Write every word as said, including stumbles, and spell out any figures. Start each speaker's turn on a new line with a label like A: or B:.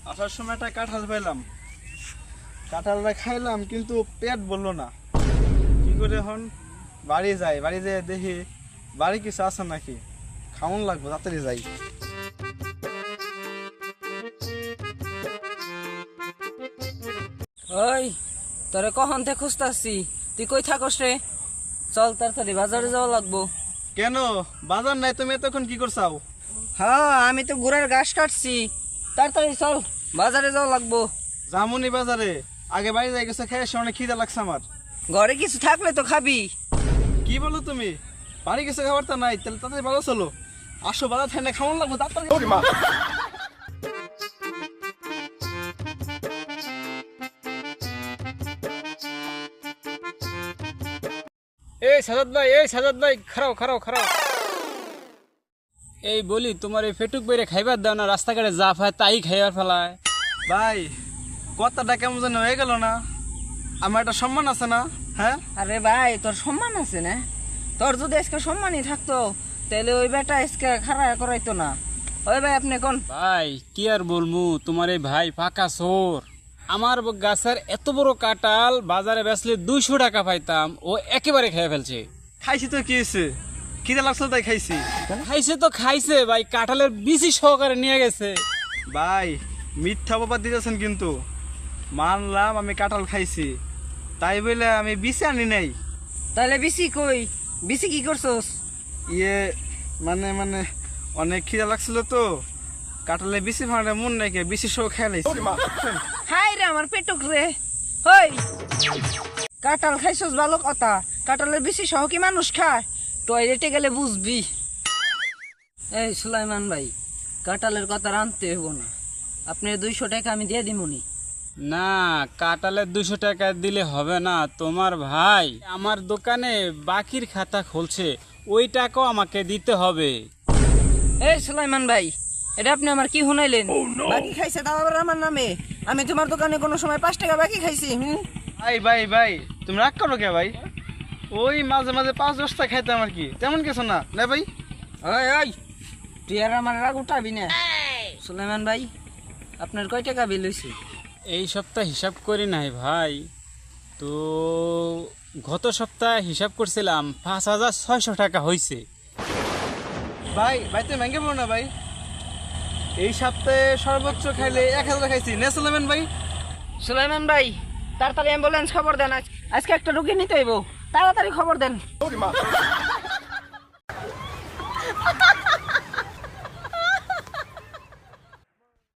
A: আসার সময় একটা কাঁঠাল পাইলাম, কাঁঠালটা খাইলাম কিন্তু পেট বললো না। কি করে এখন বাড়ি যাই, বাড়ি যেয়ে দেখি বাড়ি কিছু আছে নাকি, খাওয়ান লাগবো, তাড়াতাড়ি যাই।
B: ওই তোরে কখন থেকে খুঁজতাছি, তুই কই থাকস রে? চল তাড়াতাড়ি বাজারে যাওয়া লাগবো।
A: কেন বাজার নাই? তুমি এতক্ষণ কি করছাও?
B: হ্যাঁ আমি তো ঘোড়ার ঘাস কাটছি, তাড়াতাড়ি চল বাজারে যাওয়া লাগবো।
A: জামুনি বাজারে, আগে বাড়ি যাই গেছে, খেয়ে এসে অনেক খিদে লাগছে আমার।
B: ঘরে কিছু থাকলে তো খাবি।
A: কি বলো তুমি? বাড়ি গেছে খাবার তো নাই, তাহলে তাড়াতাড়ি বাজার চলো। আসো বাজার থাই না, খাওয়ান লাগবো তাড়াতাড়ি।
C: এই সাজাদ ভাই, এই সাজাদ ভাই, খারাও খারাও খারাও। এই বলি, তোমার এই ফেটুক বেড়ে খাইবার দাও না, রাস্তাঘাটে যা পায় তাই খাইবার ফেলায়।
A: ভাই কথাটা কেমন যেন হয়ে গেল না? আমার একটা সম্মান আছে না? হ্যাঁ
B: আরে ভাই তোর সম্মান আছে না? তোর যদি আজকে সম্মানই থাকতো তাহলে ওই বেটা আজকে খাড়া করাইতো না। ওই ভাই আপনি কোন?
C: ভাই কি আর বলমু, তোমার এই ভাই পাকা চোর। আমার গাছের এত বড় কাঁঠাল বাজারে বেচলে দুইশো টাকা পাইতাম, ও একেবারে খেয়ে ফেলছে।
A: খাইছি তো কি হয়েছে, খিদে লাগছে তাই খাইছি।
C: খাইছে তো খাইছে ভাই, কাঁঠালের বিচি সহকারে নিয়ে গেছে।
A: ভাই মিথ্যা অপবাদ দিতেছেন কিন্তু। মানলাম আমি কাঁঠাল খাইছি, তাই বলে আমি বিছে আনি নাই।
B: তাহলে বিসি কই? বিসি কি করছস?
A: ইয়ে মানে মানে অনেক খিদে লাগছিল তো, কাঁঠালে বিচি ভাঙা মন নাকি বিচি সহ খেয়ে লাইছি।
B: হাই রে আমার পেটুক রে। হই কাঁঠাল খাইছস ভালো কথা, কাঁঠালের বেশি সহ কি মানুষ খায়? টয়লেটে গেলে বুঝবি। এই সুলাইমান ভাই, কাঁঠালের কথা আনতে হইব না, আপনি দুইশো টাকা আমি দিয়ে দিমুনি।
C: না, কাঁঠালের দুশো টাকা দিলে হবে না। তোমার ভাই আমার দোকানে বাকির খাতা খুলছে, ওই টাকাও আমাকে দিতে হবে।
B: এই সুলাইমান ভাই, এটা আপনি আমার কি শুনাইলেন? বাকি খাইছে তাও আবার আমার নামে? আমি তোমার দোকানে কোনো সময় পাঁচ টাকা বাকি খাইছি? হুম
A: ভাই ভাই ভাই তুমি রাগ করো কে ভাই? ওই মাঝে মাঝে পাঁচ দশটা খাইতাম আর কি, তেমন কিছু না। না ভাই
B: ওই ওই তুই আর আমার রাগ উঠাবি না। সুলাইমান ভাই আপনার কয় টাকা বিল হয়েছে?
C: এই সপ্তাহ হিসাব করি নাই ভাই, তো গত সপ্তাহে হিসাব করছিলাম পাঁচ হাজার ছয়শো টাকা হয়েছে।
A: ভাই ভাই তুমি ভেঙে পড়ো না ভাই, এই সপ্তাহে সর্বোচ্চ খাইলে এক হাজার খাইছি। নে সুলাইমান ভাই।
B: সুলাইমান ভাই তাড়াতাড়ি অ্যাম্বুলেন্স খবর দেন, আজ- আজকে একটা রুগী নিতে হইব, তাড়াতাড়ি খবর দেন।